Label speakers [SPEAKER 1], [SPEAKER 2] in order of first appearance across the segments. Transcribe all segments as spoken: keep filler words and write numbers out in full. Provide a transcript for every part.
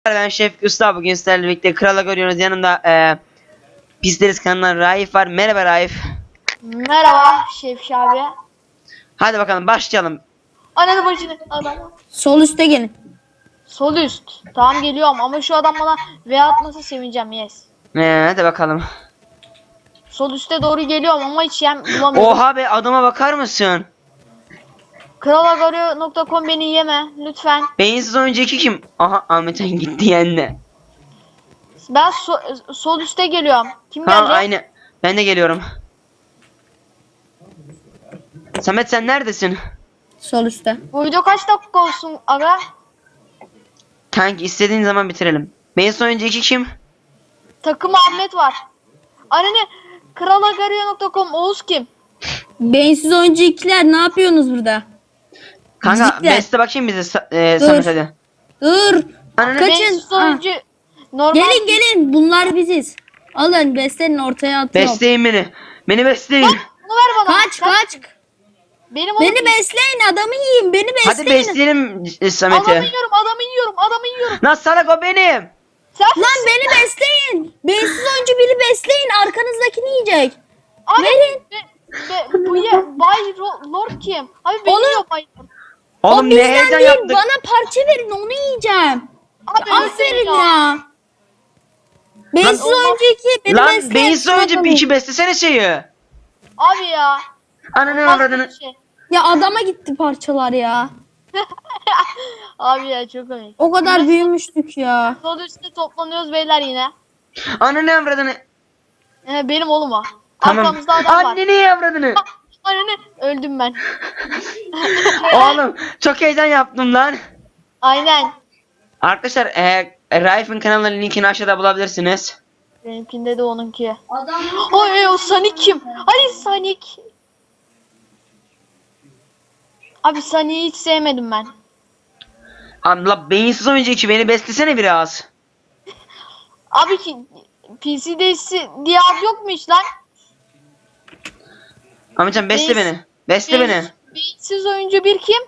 [SPEAKER 1] Ben Şef Usta, bugün sizlerle birlikte Kral'a görüyoruz. Yanımda e, Pisleriz kanalından Raif var. Merhaba Raif.
[SPEAKER 2] Merhaba Şefşi abi.
[SPEAKER 1] Hadi bakalım başlayalım.
[SPEAKER 2] Ananı bacını adam.
[SPEAKER 3] Sol üste gelin.
[SPEAKER 2] Sol üst. Tamam geliyorum ama şu adam bana V atmasa sevineceğim, yes.
[SPEAKER 1] E, hadi bakalım.
[SPEAKER 2] Sol üste doğru geliyorum ama hiç yem bulamıyorum.
[SPEAKER 1] Oha be, adama bakar mısın?
[SPEAKER 2] kralagario nokta com beni yeme lütfen.
[SPEAKER 1] Beyinsiz oyuncu iki kim? Aha, Ahmet'en gitti yendi.
[SPEAKER 2] Ben so- sol üste geliyorum. Kim
[SPEAKER 1] Ha,
[SPEAKER 2] gelecek?
[SPEAKER 1] aynı. Ben de geliyorum. Samet, sen neredesin?
[SPEAKER 3] Sol üste.
[SPEAKER 2] Bu video kaç dakika olsun aga?
[SPEAKER 1] Kanki, istediğin zaman bitirelim. Beyinsiz oyuncu iki kim?
[SPEAKER 2] Takım Ahmet var. Anne kralagario nokta com Oğuz kim?
[SPEAKER 3] Beyinsiz oyuncu ikiler, ne yapıyorsunuz burada?
[SPEAKER 1] Kanka
[SPEAKER 3] Bizlikler.
[SPEAKER 1] beste bakayım bize Sa- e,
[SPEAKER 3] Dur.
[SPEAKER 1] Samet hadi.
[SPEAKER 3] Dur.
[SPEAKER 1] Ananı
[SPEAKER 3] Kaçın.
[SPEAKER 2] Beyinsiz
[SPEAKER 3] Ah.
[SPEAKER 2] oyuncu normal.
[SPEAKER 3] Gelin gelin, bunlar biziz. Alın, beslenin, ortaya atıyorum.
[SPEAKER 1] Besleyin beni. Beni besleyin.
[SPEAKER 2] Bunu ver bana.
[SPEAKER 3] Kaç
[SPEAKER 2] Sen-
[SPEAKER 3] kaç.
[SPEAKER 2] Benim oğlum.
[SPEAKER 3] Beni besleyin, adamı yiyin, beni besleyin.
[SPEAKER 1] Hadi besleyelim e, Samet'i.
[SPEAKER 2] Adamı yiyorum, adamı yiyorum, adamı yiyorum.
[SPEAKER 1] Lan salak, o benim.
[SPEAKER 2] Sen
[SPEAKER 3] Lan beni besleyin. Beyinsiz oyuncu biri besleyin, arkanızdakini yiyecek.
[SPEAKER 2] Abi,
[SPEAKER 3] Verin.
[SPEAKER 2] Be, be, bu ye, Bay Ro- Lord kim? Abi beni
[SPEAKER 3] Onu-
[SPEAKER 2] yiyor Bay Lord.
[SPEAKER 1] Oğlum
[SPEAKER 3] o
[SPEAKER 1] ne
[SPEAKER 3] bizden
[SPEAKER 1] heyecan
[SPEAKER 3] değil,
[SPEAKER 1] yaptık.
[SPEAKER 3] bana parça verin, onu yiyeceğim.
[SPEAKER 2] Abi
[SPEAKER 3] Aferin
[SPEAKER 2] öldüm
[SPEAKER 3] ya. Beyinsiz
[SPEAKER 2] Lan-
[SPEAKER 3] oyuncu iki, beni
[SPEAKER 1] Lan
[SPEAKER 3] besleyin.
[SPEAKER 1] beyinsiz oyuncu
[SPEAKER 3] Bakalım.
[SPEAKER 1] bir iki beslesene şeyi.
[SPEAKER 2] Abi ya.
[SPEAKER 1] Ananı
[SPEAKER 2] Olmaz
[SPEAKER 1] avradını.
[SPEAKER 2] böyle şey.
[SPEAKER 3] Ya adama gitti parçalar ya.
[SPEAKER 2] Abi ya çok komik.
[SPEAKER 3] O kadar
[SPEAKER 2] Biz
[SPEAKER 3] büyümüştük ya.
[SPEAKER 2] Sol üstte toplanıyoruz beyler yine.
[SPEAKER 1] Ananı avradını.
[SPEAKER 2] Ee, benim oğlum o.
[SPEAKER 1] Tamam.
[SPEAKER 2] Arkamızda adam var.
[SPEAKER 1] Anneni avradını.
[SPEAKER 2] Anne öldüm ben.
[SPEAKER 1] Oğlum çok heyecan yaptım lan.
[SPEAKER 2] Aynen.
[SPEAKER 1] Arkadaşlar e, Raif'in kanalının linkini aşağıda bulabilirsiniz.
[SPEAKER 2] Benimkinde de onunki. Adam. Oy o Sonic kim? Hadi Sonic. Abi Sonic'i hiç sevmedim ben.
[SPEAKER 1] Allah, beyinsiz oyuncu iki, beni beslesene biraz.
[SPEAKER 2] Abi ki P C'de diye ad yok mu hiç lan?
[SPEAKER 1] Ahmetcan besle
[SPEAKER 2] Beyiz-
[SPEAKER 1] beni. Besle beni.
[SPEAKER 2] Beyin- Beyinsiz oyuncu bir kim?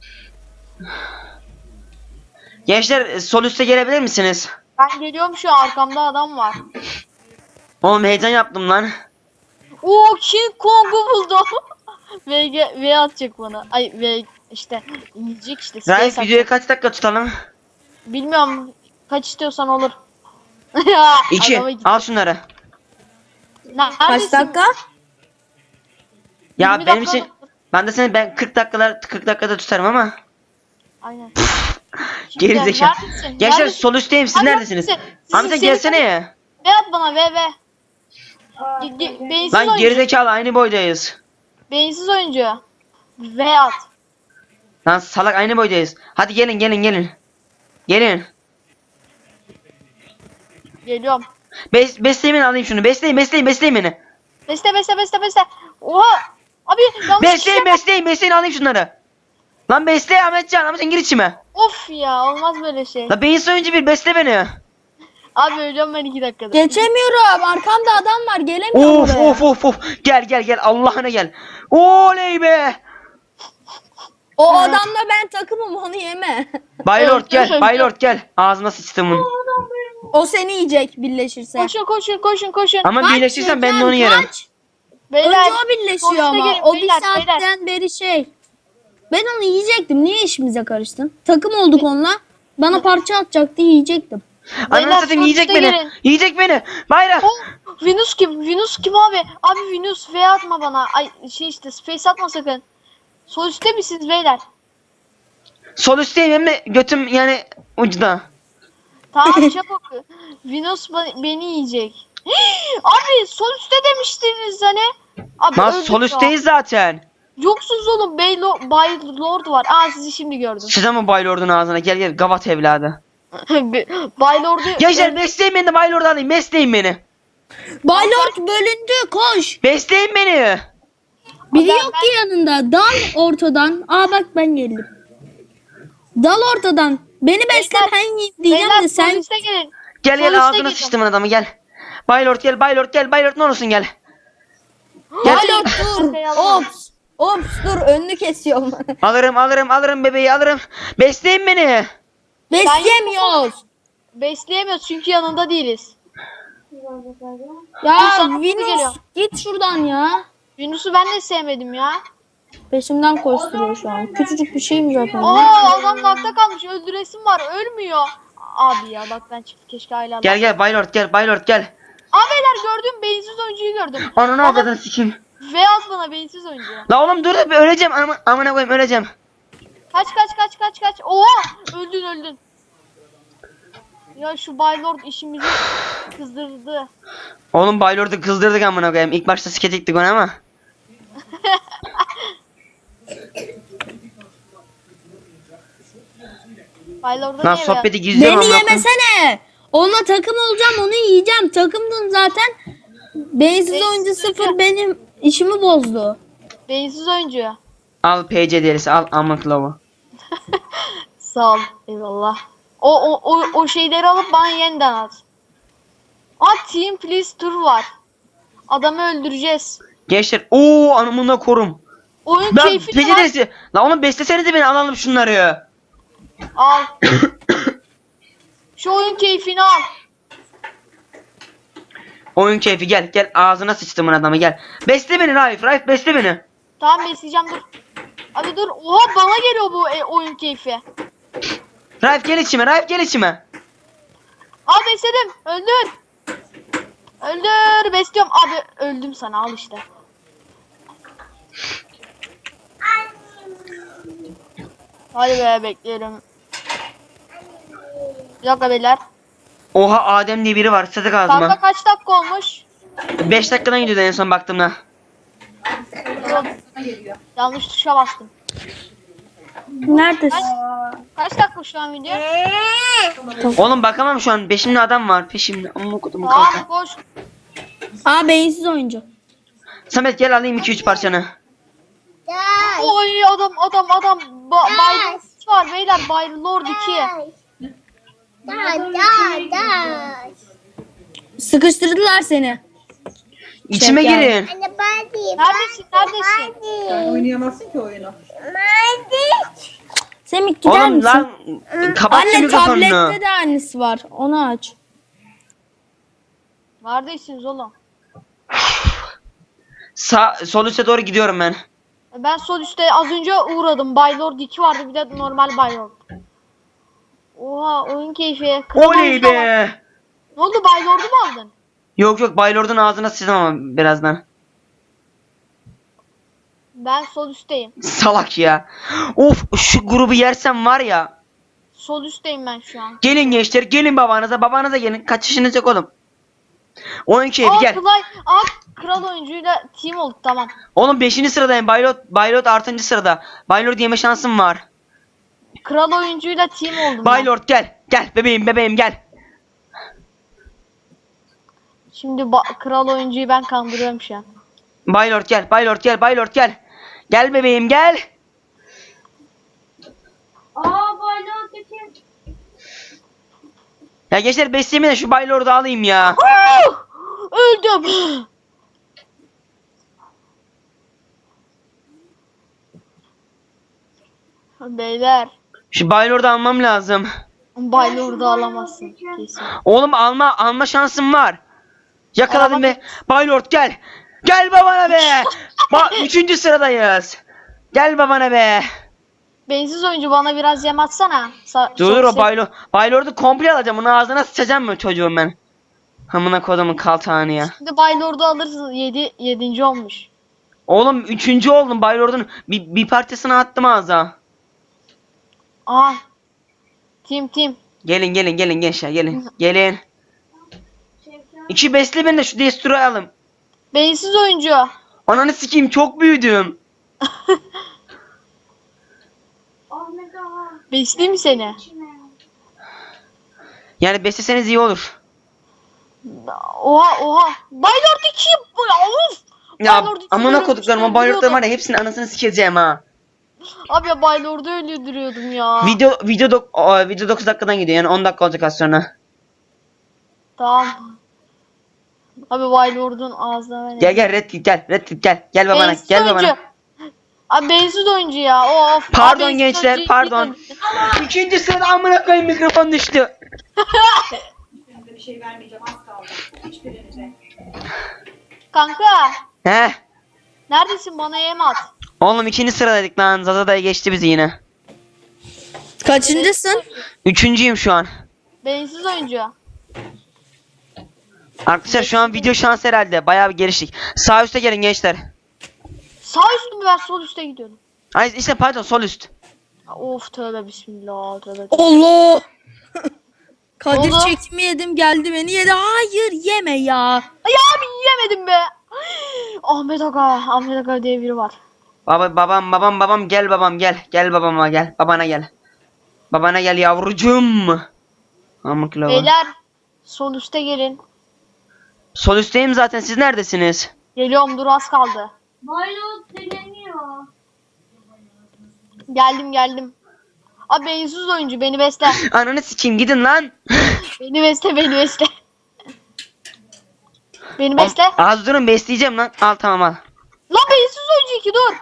[SPEAKER 1] Gençler e, sol üste gelebilir misiniz?
[SPEAKER 2] Ben geliyorum, şu an arkamda adam var.
[SPEAKER 1] Oğlum heyecan yaptım lan.
[SPEAKER 2] Oo, King Kong'u buldum. V, G- V atacak bana. Ay V işte yiyecek işte.
[SPEAKER 1] Raif,
[SPEAKER 2] Space
[SPEAKER 1] videoyu kaç dakika tutalım?
[SPEAKER 2] atacak. Bilmiyorum kaç istiyorsan olur. Ya,
[SPEAKER 1] İki.
[SPEAKER 2] adama git.
[SPEAKER 1] Al şunları.
[SPEAKER 2] Neredesin?
[SPEAKER 3] Kaç dakika?
[SPEAKER 1] Ya
[SPEAKER 2] yirmi
[SPEAKER 1] benim
[SPEAKER 2] dakika
[SPEAKER 1] için
[SPEAKER 2] olur.
[SPEAKER 1] ben de seni ben kırk dakikalar kırk dakikada tutarım ama
[SPEAKER 2] Aynen.
[SPEAKER 1] geri
[SPEAKER 2] Şimdi
[SPEAKER 1] zekalı.
[SPEAKER 2] neredesin?
[SPEAKER 1] Gençler
[SPEAKER 2] Neredesin?
[SPEAKER 1] sol üstteyim, siz
[SPEAKER 2] Abi,
[SPEAKER 1] neredesiniz?
[SPEAKER 2] neredesin?
[SPEAKER 1] Ahmet'e
[SPEAKER 2] Sizin-
[SPEAKER 1] gelsene ya.
[SPEAKER 2] V at bana V V. Ge- ge- Beyinsiz
[SPEAKER 1] Lan
[SPEAKER 2] oyuncu.
[SPEAKER 1] geri zekalı, aynı boydayız.
[SPEAKER 2] Beyinsiz oyuncu. V at.
[SPEAKER 1] Lan salak, aynı boydayız. Hadi gelin gelin gelin. Gelin.
[SPEAKER 2] Geliyorum.
[SPEAKER 1] Bes besleyin beni, alayım şunu. Besleyin besleyin besleyin beni.
[SPEAKER 2] Beste beste beste beste. Oha. Abi yanlış
[SPEAKER 1] Besleyin
[SPEAKER 2] kişiye-
[SPEAKER 1] besleyin besleyin, alayım şunları. Lan besle Ahmetcan, Ahmetcan gir içime.
[SPEAKER 2] Of ya, olmaz böyle şey.
[SPEAKER 1] La beyinsiz oyuncu bir besle beni.
[SPEAKER 2] Abi ölüyorum ben iki dakikada.
[SPEAKER 3] Geçemiyorum. Arkamda adam var. Gelemiyorum
[SPEAKER 1] Of
[SPEAKER 3] oraya.
[SPEAKER 1] of of of. Gel gel gel, Allah'ına gel. Oley be.
[SPEAKER 3] O adamla ben takımım, onu yeme.
[SPEAKER 1] Baylord
[SPEAKER 2] Evet,
[SPEAKER 1] gel,
[SPEAKER 2] evet.
[SPEAKER 1] Baylord gel. Ağzına sıçtımın.
[SPEAKER 3] O seni yiyecek birleşirse.
[SPEAKER 2] Koşun koşun koşun koşun.
[SPEAKER 1] Ama
[SPEAKER 3] Kaç
[SPEAKER 1] birleşirsen ben de
[SPEAKER 3] Gökhan,
[SPEAKER 1] onu yerim.
[SPEAKER 3] kaç.
[SPEAKER 2] Beyler.
[SPEAKER 3] Önce o birleşiyor
[SPEAKER 2] sonuçta
[SPEAKER 3] ama.
[SPEAKER 2] gelin,
[SPEAKER 3] O bir
[SPEAKER 2] beyler,
[SPEAKER 3] saatten beri şey. Ben onu yiyecektim. Niye işimize karıştın? Takım olduk onunla. Bana parça atacaktı, yiyecektim.
[SPEAKER 1] Ananı satayım, yiyecek
[SPEAKER 2] sonuçta
[SPEAKER 1] beni.
[SPEAKER 2] gelin.
[SPEAKER 1] Yiyecek beni. Bayrak.
[SPEAKER 2] Oh, Venus kim? Venus kim abi? Abi Venus V atma bana. Ay şey işte space atma sakın. Sol üstte misiniz beyler?
[SPEAKER 1] Sol üstteyim, hem de götüm yani ucuda.
[SPEAKER 2] Tamam çabuk. Venus ba- beni yiyecek. Abi sol üstte demiştiniz hani. Abi
[SPEAKER 1] Lan
[SPEAKER 2] öldük
[SPEAKER 1] sol
[SPEAKER 2] ya.
[SPEAKER 1] üstteyiz zaten.
[SPEAKER 2] Yoksunuz oğlum. Bey Lo- Bay Lord var. Aa sizi şimdi gördüm.
[SPEAKER 1] Sıçacağım mı Baylord'un ağzına? Gel gel, gavat evladı.
[SPEAKER 2] Bay Lord'u
[SPEAKER 1] Gençler besleyin beni de Baylord'u alayım. Besleyin beni.
[SPEAKER 3] Baylord bölündü, koş.
[SPEAKER 1] Besleyin beni.
[SPEAKER 3] Biri
[SPEAKER 2] Ben-
[SPEAKER 3] yok ki yanında. Dal ortadan. Aa bak ben geldim. Dal ortadan. Beni besle,
[SPEAKER 2] Beyler-
[SPEAKER 3] ben yiyeyim diyeceğim
[SPEAKER 2] Beyler
[SPEAKER 3] de
[SPEAKER 2] sol
[SPEAKER 3] sen.
[SPEAKER 2] üstte gelin.
[SPEAKER 1] Gel
[SPEAKER 2] Sol
[SPEAKER 1] gel,
[SPEAKER 2] üstte
[SPEAKER 1] ağzına
[SPEAKER 2] gelin.
[SPEAKER 1] sıçtımın adamı, gel. Baylord gel, Baylord gel, Baylord ne olursun gel. Gel.
[SPEAKER 3] Baylord dur.
[SPEAKER 2] Arkaya alalım.
[SPEAKER 3] Ops. Ops dur, önünü kesiyorum.
[SPEAKER 1] Alırım alırım alırım bebeği alırım. Besleyin beni.
[SPEAKER 3] Besleyemiyoruz.
[SPEAKER 2] Besleyemiyoruz çünkü yanında değiliz.
[SPEAKER 3] Ya
[SPEAKER 2] sana geliyor.
[SPEAKER 3] Venüs git şuradan ya.
[SPEAKER 2] Yunus'u ben de sevmedim ya.
[SPEAKER 3] Peşimden koşturuyor şu an. Küçücük bir şeyim zaten.
[SPEAKER 2] Aa adam nakta kalmış. Öldüresim var. Ölmüyor. Abi ya bak ben çift keşke aile
[SPEAKER 1] Gel gel Baylord gel Baylord gel.
[SPEAKER 2] Abiler gördüm beyinsiz oyuncuyu gördüm.
[SPEAKER 1] Ananı
[SPEAKER 2] Bana
[SPEAKER 1] avradını sikeyim.
[SPEAKER 2] V at bana beyinsiz oyuncu.
[SPEAKER 1] La oğlum dur da bir öleceğim ama amına koyayım öleceğim.
[SPEAKER 2] Kaç kaç kaç kaç kaç. Oha öldün öldün. Ya şu Baylord işimizi kızdırdı.
[SPEAKER 1] Oğlum Baylord'u kızdırdık amına koyayım. İlk başta sketiktik onu ama.
[SPEAKER 2] Baylord'a
[SPEAKER 1] Lan
[SPEAKER 2] niye
[SPEAKER 1] sohbeti gizliyorum
[SPEAKER 3] Beni
[SPEAKER 1] amına koyayım.
[SPEAKER 3] yemesene. Onunla takım olacağım, onu yiyeceğim. Takımdın zaten. Beyinsiz
[SPEAKER 2] Beyinsiz
[SPEAKER 3] oyuncu sıfır
[SPEAKER 2] oyuncu.
[SPEAKER 3] benim işimi bozdu.
[SPEAKER 2] Beyinsiz oyuncu.
[SPEAKER 1] Al P C derisi al amık lavu.
[SPEAKER 2] Sağ ol. Eyvallah. O o o, o şeyleri alıp bana yeniden at. Aa Team Please Tour var. Adamı öldüreceğiz.
[SPEAKER 1] Gençler ooo anamına korum.
[SPEAKER 2] Oyun
[SPEAKER 1] Ben
[SPEAKER 2] keyfi
[SPEAKER 1] P C derisi. La oğlum beslesenize beni alalım şunları.
[SPEAKER 2] Al. Şu oyun keyfini al.
[SPEAKER 1] Oyun keyfi gel gel ağzına sıçtımın adamı gel. Besle beni Raif Raif besle beni.
[SPEAKER 2] Tamam besleyeceğim dur. Abi dur. Oha bana geliyor bu e, oyun keyfi.
[SPEAKER 1] Raif gel içime Raif gel içime.
[SPEAKER 2] Al besledim. Öldür. Öldür. Besliyorum. Abi öldüm sana al işte. Hadi be bekliyorum. Bir dakika beyler.
[SPEAKER 1] Oha Adem diye biri var sıdık
[SPEAKER 2] Kanka
[SPEAKER 1] ağzıma.
[SPEAKER 2] kaç dakika olmuş?
[SPEAKER 1] beş dakikadan gidiyordu en son baktığımda.
[SPEAKER 2] Yok. Yanlış tuşa bastım.
[SPEAKER 3] Neredesin?
[SPEAKER 2] Kaç dakika şu an video?
[SPEAKER 1] Oğlum bakamam şu an peşimde adam var peşimde. Amma kodumu
[SPEAKER 2] Tamam
[SPEAKER 1] kalka.
[SPEAKER 2] koş.
[SPEAKER 3] Aa beyinsiz oyuncu.
[SPEAKER 1] Samet gel alayım iki üç parçanı.
[SPEAKER 2] Oy adam adam adam. Ba Bay Lord var beyler. Bay Lord iki.
[SPEAKER 3] Sıkıştırdılar seni.
[SPEAKER 1] İçime
[SPEAKER 3] Şeker.
[SPEAKER 1] girin.
[SPEAKER 2] Neredesin neredesin?
[SPEAKER 4] Sen oynayamazsın ki oyunu.
[SPEAKER 3] Semih gider
[SPEAKER 1] Oğlum
[SPEAKER 3] misin?
[SPEAKER 1] lan kapat şu
[SPEAKER 3] Anne
[SPEAKER 1] mikrofonunu.
[SPEAKER 3] tablette de annesi var. Onu aç.
[SPEAKER 2] Neredesiniz oğlum?
[SPEAKER 1] Sağ, sol üste doğru gidiyorum ben.
[SPEAKER 2] Ben sol üstte az önce uğradım. Bay Lord iki vardı bir de normal Bay Lord. Oha oyun keyfi. Kral
[SPEAKER 1] Oley
[SPEAKER 2] oyuncu da var.
[SPEAKER 1] be.
[SPEAKER 2] Ne oldu Bay Lord'u mu aldın?
[SPEAKER 1] Yok yok Baylord'un ağzına sıçtım ama birazdan.
[SPEAKER 2] Ben sol üstteyim.
[SPEAKER 1] Salak ya. Of şu grubu yersem var ya.
[SPEAKER 2] Sol üstteyim ben şu an.
[SPEAKER 1] Gelin gençler gelin babanıza babanıza gelin. Kaçışınız yok oğlum. Oyun keyfi
[SPEAKER 2] Aa,
[SPEAKER 1] gel.
[SPEAKER 2] Klay, aa, kral oyuncuyla team olduk tamam.
[SPEAKER 1] Oğlum beşinci sıradayım. Baylord, Baylord altıncı sırada. Baylord yeme şansım var.
[SPEAKER 2] Kral oyuncuyla team oldum ben.
[SPEAKER 1] Baylord gel. Gel bebeğim bebeğim gel.
[SPEAKER 2] Şimdi ba- kral oyuncuyu ben kandırıyorum şu an.
[SPEAKER 1] Baylord gel. Baylord gel. Baylord gel. Gel bebeğim gel.
[SPEAKER 2] Aa Baylord iki.
[SPEAKER 1] Ya gençler beslemeyin de şu Baylord'u alayım ya.
[SPEAKER 2] Öldüm. Beyler.
[SPEAKER 1] Şu Baylord'u almam lazım.
[SPEAKER 2] Baylord'u alamazsın kesin.
[SPEAKER 1] Oğlum alma alma şansım var. Yakaladım
[SPEAKER 2] Alamam.
[SPEAKER 1] be. Baylord gel. Gel babana be. Bak üçüncü sıradayız. Gel babana be.
[SPEAKER 2] Bensiz oyuncu bana biraz yem atsana. Sa-
[SPEAKER 1] Dur
[SPEAKER 2] çok
[SPEAKER 1] dur o
[SPEAKER 2] sev-
[SPEAKER 1] Baylord. Baylord'u komple alacağım. Onu ağzına sıçacağım mı çocuğum ben? Hamına kodumun kaltağını ya.
[SPEAKER 2] Şimdi Baylord'u alırsın. yedi yedinci olmuş.
[SPEAKER 1] Oğlum üçüncü oldum. Baylord'un bir, bir parçasını attım ağza.
[SPEAKER 2] Aa. Team team.
[SPEAKER 1] Gelin gelin gelin gençler gelin. Gelin. İki besle beni de şu Destroy'u alım.
[SPEAKER 2] Bensiz oyuncu.
[SPEAKER 1] Ananı sikeyim çok büyüdüm.
[SPEAKER 2] Besleyeyim mi seni?
[SPEAKER 1] Yani besleseniz iyi olur.
[SPEAKER 2] Oha oha. Baylord iki. Bu ya of.
[SPEAKER 1] Ya
[SPEAKER 2] Baylord iki
[SPEAKER 1] amına
[SPEAKER 2] öldürüyormuş,
[SPEAKER 1] koduklarım o Baylord'ların
[SPEAKER 2] öldürüyordum.
[SPEAKER 1] var ya hepsinin anasını sikeceğim ha.
[SPEAKER 2] Abi ya Baylord'u öldürüyordum ya.
[SPEAKER 1] Video video dok o, video dokuz dakikadan gidiyor yani on dakika olacak az sonra.
[SPEAKER 2] Tamam. Abi Baylord'un ağzına ver.
[SPEAKER 1] Gel gel Red Kit gel Red Kit gel. Gel babana
[SPEAKER 2] Bensiz
[SPEAKER 1] gel
[SPEAKER 2] oyuncu.
[SPEAKER 1] babana.
[SPEAKER 2] Abi bensiz oyuncu ya. Of.
[SPEAKER 1] Pardon
[SPEAKER 2] Abi bensiz
[SPEAKER 1] gençler,
[SPEAKER 2] oyuncu
[SPEAKER 1] pardon.
[SPEAKER 2] iki
[SPEAKER 1] İkinci sırada amına koyayım mikrofon düştü.
[SPEAKER 4] Size bir şey vermeyeceğim az kaldı. Hiçbirinize.
[SPEAKER 2] Kanka.
[SPEAKER 1] He.
[SPEAKER 2] Neredesin? Bana yem at.
[SPEAKER 1] Oğlum ikinci sıradaydık lan. Zaza dayı geçti bizi yine.
[SPEAKER 3] Kaçıncısın?
[SPEAKER 1] Üçüncüyüm şu an.
[SPEAKER 2] Bensiz oyuncu.
[SPEAKER 1] Arkadaşlar şu an video şans herhalde. Bayağı bir geliştik. Sağ üstte gelin gençler.
[SPEAKER 2] Sağ üstü mü, ben sol üste gidiyorum.
[SPEAKER 1] Ay işte pardon sol üst.
[SPEAKER 2] Of tövbe bismillah. Tövbe.
[SPEAKER 3] Allah. Kadir
[SPEAKER 2] Oldu.
[SPEAKER 3] çekimi yedim geldi beni yedi. Hayır yeme ya.
[SPEAKER 2] Ay abi yiyemedim be. Ahmet Aga. Ahmet Aga diye biri var.
[SPEAKER 1] Baba babam babam babam gel babam gel. Gel babama gel. Babana gel. Babana gel yavrucuğum. Amık lava.
[SPEAKER 2] Beyler sol üste gelin.
[SPEAKER 1] Sol üstteyim zaten. Siz neredesiniz?
[SPEAKER 2] Geliyorum, dur az kaldı. Geldim geldim. Abi bensiz oyuncu, beni besle.
[SPEAKER 1] Ananı sikeyim gidin lan.
[SPEAKER 2] Beni besle, beni besle. Beni besle.
[SPEAKER 1] Az durun besleyeceğim lan. Al tamam al.
[SPEAKER 2] Lan bensiz oyuncu iki, dur.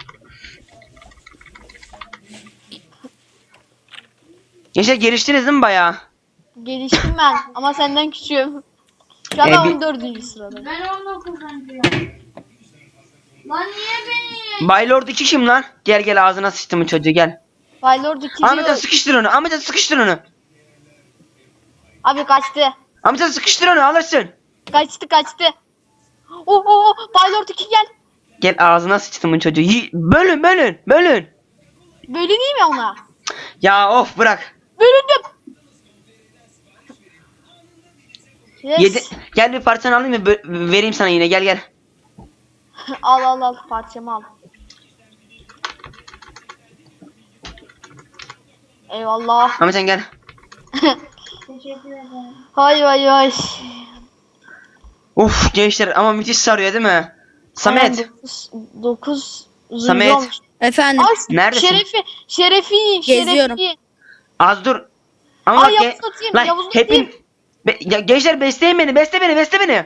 [SPEAKER 1] Gençler geliştiniz değil mi bayağı?
[SPEAKER 2] Geliştim ben ama senden küçüğüm. Şu an
[SPEAKER 1] Ee,
[SPEAKER 2] ben
[SPEAKER 1] bir-
[SPEAKER 2] on dördüncü sıradayım.
[SPEAKER 5] Ben on dokuzuncuyum. Lan niye beni?
[SPEAKER 1] Baylord iki kim lan? Gel gel ağzına sıçtım çocuğu gel.
[SPEAKER 2] Baylord iki
[SPEAKER 1] Ahmet'e
[SPEAKER 2] diyor.
[SPEAKER 1] sıkıştır onu. Ahmet'e sıkıştır onu.
[SPEAKER 2] Abi kaçtı.
[SPEAKER 1] Ahmet'e sıkıştır onu alırsın.
[SPEAKER 2] Kaçtı kaçtı. Oh oh oh. Baylord iki gel.
[SPEAKER 1] Gel ağzına sıçtım çocuğu. Yi- bölün bölün bölün.
[SPEAKER 2] Böyle değil mi ona?
[SPEAKER 1] Ya of bırak.
[SPEAKER 2] Bölündüm. Yes.
[SPEAKER 1] Yedi... Gel bir parçanı alayım mı? Bö- vereyim sana yine gel gel.
[SPEAKER 2] Al al al, parçamı al. Eyvallah.
[SPEAKER 1] Ahmet sen gel.
[SPEAKER 5] Teşekkür ederim.
[SPEAKER 2] Hay hay hay.
[SPEAKER 1] Uf gençler ama müthiş sarıyor değil mi? Samet.
[SPEAKER 2] dokuz
[SPEAKER 1] Samet.
[SPEAKER 3] Efendim.
[SPEAKER 2] Ay,
[SPEAKER 1] Neredesin?
[SPEAKER 2] Şerefi, Şerefi,
[SPEAKER 3] Geziyorum.
[SPEAKER 2] Şerefi.
[SPEAKER 1] Az dur. Ama
[SPEAKER 2] Ay,
[SPEAKER 1] bak
[SPEAKER 2] Yavuz
[SPEAKER 1] ge-
[SPEAKER 2] atayım,
[SPEAKER 1] lan
[SPEAKER 2] Yavuz
[SPEAKER 1] hepin
[SPEAKER 2] atayım.
[SPEAKER 1] Be- ya, gençler besleyin beni besle beni besle beni.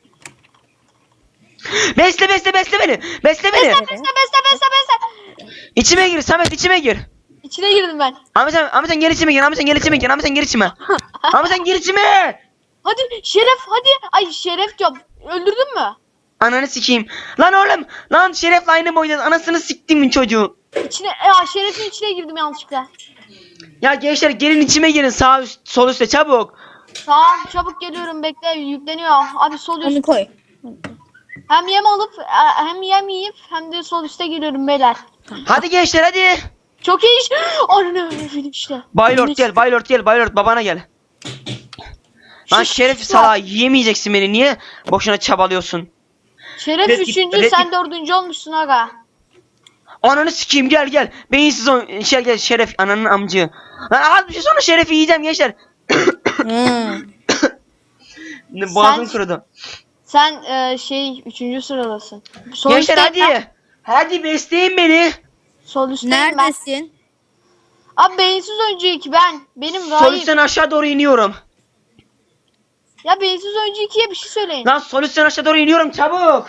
[SPEAKER 1] Besle besle besle beni. Besle beni.
[SPEAKER 2] Besle besle besle besle besle.
[SPEAKER 1] İçime gir Samet içime gir.
[SPEAKER 2] İçine girdim ben.
[SPEAKER 1] Ahmet sen, Ahmet sen gel içime gir. Ahmet sen gel içime gir. Ahmet sen gel içime. Ahmet sen gir içime.
[SPEAKER 2] Hadi Şeref hadi. Ay Şeref diyorum. Öldürdün mü?
[SPEAKER 1] Ananı sikeyim. Lan oğlum. Lan Şeref'le aynı boydayız. Anasını siktimin çocuğu.
[SPEAKER 2] İçine, ya Şeref'in içine girdim yanlışlıkla.
[SPEAKER 1] Ya gençler gelin içime girin. Sağ üst sol üstte çabuk.
[SPEAKER 2] Tamam çabuk geliyorum, bekle, yükleniyor. Abi sol
[SPEAKER 3] Onu
[SPEAKER 2] üst.
[SPEAKER 3] koy.
[SPEAKER 2] Hem yem alıp e, hem yem yiyip hem de sol üste geliyorum beyler.
[SPEAKER 1] Hadi gençler hadi.
[SPEAKER 2] Çok iyi iş. Anne işte.
[SPEAKER 1] Baylord gel. Baylord gel. Baylord babana gel. Lan
[SPEAKER 2] Şu-
[SPEAKER 1] Şeref
[SPEAKER 2] şu-
[SPEAKER 1] salağı yiyemeyeceksin beni. Niye boşuna çabalıyorsun?
[SPEAKER 2] Şeref
[SPEAKER 1] Red Kit-
[SPEAKER 2] üçüncü,
[SPEAKER 1] Red
[SPEAKER 2] sen
[SPEAKER 1] Kit-
[SPEAKER 2] dördüncü olmuşsun aga.
[SPEAKER 1] Ananı sikeyim gel gel. Beyinsiz o şey gel Şeref ananın amcı. Lan az bir şey sonra Şeref'i yiyeceğim gençler.
[SPEAKER 3] Hmm.
[SPEAKER 1] Boğazım
[SPEAKER 2] Sen-
[SPEAKER 1] kurudu.
[SPEAKER 2] Sen e, şey üçüncü sıradasın. Sol
[SPEAKER 1] Gençler
[SPEAKER 2] üstteyim ben.
[SPEAKER 1] hadi. Hadi besleyin beni.
[SPEAKER 2] Sol üstteyim ben.
[SPEAKER 3] Neredesin?
[SPEAKER 2] Abi beyinsiz oyuncu iki ben. Benim
[SPEAKER 1] Sol
[SPEAKER 2] Rahim.
[SPEAKER 1] üstten aşağı doğru iniyorum.
[SPEAKER 2] Ya beyinsiz oyuncu ikiye bir şey söyleyin.
[SPEAKER 1] Lan sol üstten aşağı doğru iniyorum çabuk.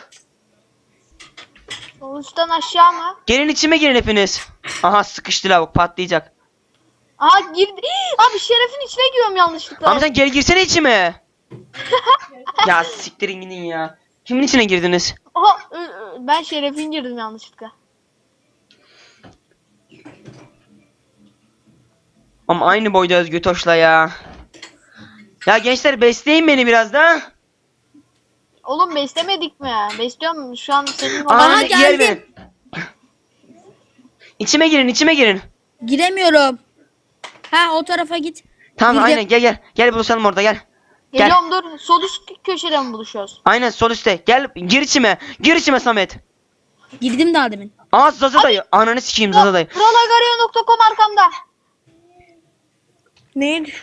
[SPEAKER 2] Sol üstten aşağı mı?
[SPEAKER 1] Gelin içime girin hepiniz. Aha sıkıştı lavuk patlayacak.
[SPEAKER 2] Aha girdi. Abi Şeref'in içine giriyorum yanlışlıkla.
[SPEAKER 1] Ama sen gel girsene içime. Ya siktirin gidin ya. Kimin içine girdiniz?
[SPEAKER 2] Aha, ö- ö- ben Şeref'in girdim yanlışlıkla.
[SPEAKER 1] Ama aynı boydayız Götoş'la ya. Ya gençler besleyin beni biraz da.
[SPEAKER 2] Oğlum beslemedik mi? Besliyorum şu an senin
[SPEAKER 1] Aha,
[SPEAKER 2] olan.
[SPEAKER 3] Aha,
[SPEAKER 1] yer
[SPEAKER 3] geldim.
[SPEAKER 1] verin. İçime girin içime girin.
[SPEAKER 3] Giremiyorum. Ha o tarafa git.
[SPEAKER 1] Tamam
[SPEAKER 3] Girdim.
[SPEAKER 1] aynen gel gel. Gel buluşalım orada gel. Gel.
[SPEAKER 2] Geliyorum dur. Sol üst köşede mi buluşuyoruz?
[SPEAKER 1] Aynen sol üstte. Gel gir içime. Gir içime Samet.
[SPEAKER 3] Girdim daha demin.
[SPEAKER 1] Aa Zaza dayı. Ananı sikeyim Zaza dayı.
[SPEAKER 2] Kralagario nokta com arkamda.
[SPEAKER 3] Neydi?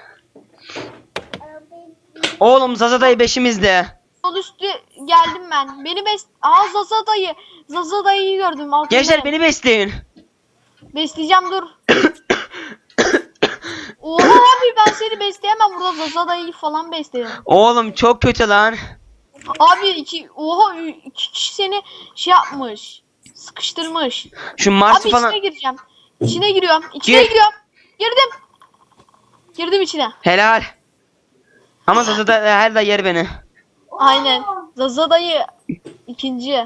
[SPEAKER 1] Oğlum Zaza dayı beşimizde.
[SPEAKER 2] Sol üstü geldim ben. Beni bes... Aa Zaza dayı. Zaza dayıyı gördüm. Altında.
[SPEAKER 1] Gençler beni besleyin.
[SPEAKER 2] Besleyeceğim dur. Oha abi ben seni besleyemem. Burada Zaza dayıyı falan beslerim.
[SPEAKER 1] Oğlum çok kötü lan.
[SPEAKER 2] Abi iki... Oha ü- iki kişi seni şey yapmış. Sıkıştırmış.
[SPEAKER 1] Şu Mars'ı
[SPEAKER 2] Abi
[SPEAKER 1] falan.
[SPEAKER 2] içine gireceğim. İçine giriyorum. İçine
[SPEAKER 1] Gir.
[SPEAKER 2] giriyorum. Girdim. Girdim içine.
[SPEAKER 1] Helal. Ama Zaza da her da yer beni.
[SPEAKER 2] Aynen. Zaza dayı ikinci.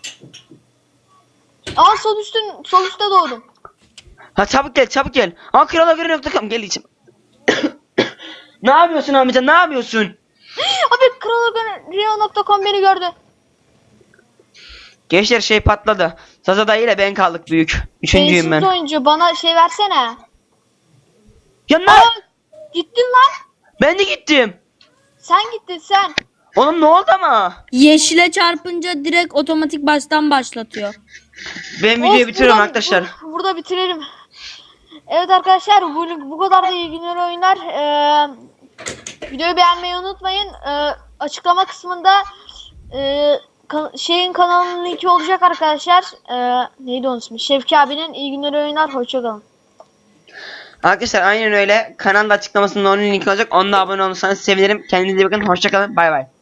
[SPEAKER 2] Aa sol üstün sol üstte doğdum.
[SPEAKER 1] Ha çabuk gel çabuk gel. Aa kralagöre nokta com gel içim. Ne yapıyorsun amca ne yapıyorsun?
[SPEAKER 2] Abi kralagrio nokta com beni gördü.
[SPEAKER 1] Gençler şey patladı. Zaza dayı ile ben kaldık büyük. Üçüncüyüm
[SPEAKER 2] Beyinsiz
[SPEAKER 1] ben.
[SPEAKER 2] oyuncu bana şey versene.
[SPEAKER 1] Ya ne?
[SPEAKER 2] Aa, gittin lan.
[SPEAKER 1] Ben de gittim.
[SPEAKER 2] Sen gittin sen.
[SPEAKER 1] Oğlum ne oldu ama?
[SPEAKER 3] Yeşile çarpınca direkt otomatik baştan başlatıyor.
[SPEAKER 1] Ben videoyu
[SPEAKER 2] Olsun,
[SPEAKER 1] bitiriyorum
[SPEAKER 2] buradan-
[SPEAKER 1] arkadaşlar.
[SPEAKER 2] bur- burada bitirelim. Evet arkadaşlar bu, bu kadar da iyi günler oyunlar. Ee, videoyu beğenmeyi unutmayın. Ee, açıklama kısmında e, ka- şeyin kanalının linki olacak arkadaşlar. Ee, neydi onun ismi? Şevki abinin iyi günler oyunlar. Hoşçakalın.
[SPEAKER 1] Arkadaşlar aynen öyle. Kanalda açıklamasında onun linki olacak. Onunla abone olursanız sevinirim. Kendinize iyi bakın. Hoşçakalın. Bay bay.